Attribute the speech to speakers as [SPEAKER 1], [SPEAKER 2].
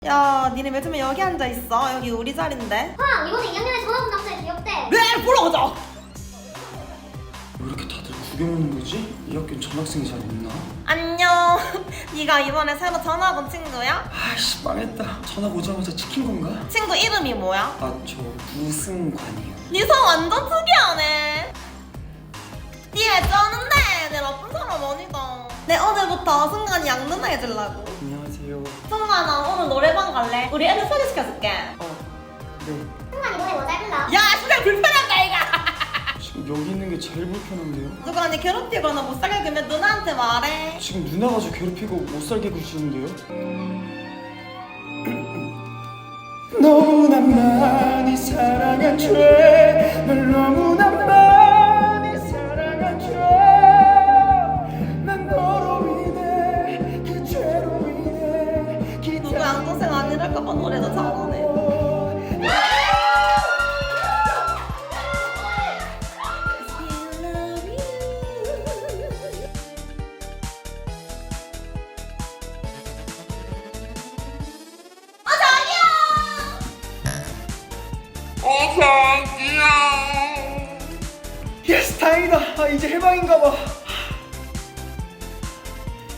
[SPEAKER 1] 야, 니네 요즘에 여기 앉아있어? 여기 우리 자리인데?
[SPEAKER 2] 황! 이번에 2학년에 전화 온 남자 귀엽대.
[SPEAKER 1] 네! 보러 가자!
[SPEAKER 3] 왜 이렇게 다들 구경 오는 거지? 이 학교는 전학생이 잘 없나?
[SPEAKER 1] 안녕. 네가 이번에 새로 전학 온 친구야?
[SPEAKER 3] 아이씨 망했다. 전학 오자마자 찍힌 건가?
[SPEAKER 1] 친구 이름이 뭐야?
[SPEAKER 3] 아 저 우승관이요.
[SPEAKER 1] 니 성 완전 특이하네. 니 왜 쩌는데? 내 나쁜 사람 아니다. 내 오늘부터 승관이 양 누나 해주려고.
[SPEAKER 3] 안녕하세요.
[SPEAKER 1] 승관아, 오늘 노래방 갈래? 우리 애들 소개시켜줄게.
[SPEAKER 3] 네.
[SPEAKER 2] 승관 이번에 뭐 잘 불러?
[SPEAKER 1] 야, 진짜 불편한가 이가.
[SPEAKER 3] 지금 여기 있는 게 제일 불편한데요?
[SPEAKER 1] 누가 니 괴롭히거나 못 살게 굴면 누나한테 말해.
[SPEAKER 3] 지금 누나가 저 괴롭히고 못 살게 구시는데요? 너무나 많이 사랑한 죄널 너무나 많이 사랑한 죄난 너로 인해 그 죄로 인해
[SPEAKER 1] 누구 양동생 아니랄까봐 노래도 잘하네.
[SPEAKER 3] 예스 다행이다. 아, 이제 해방인가 봐.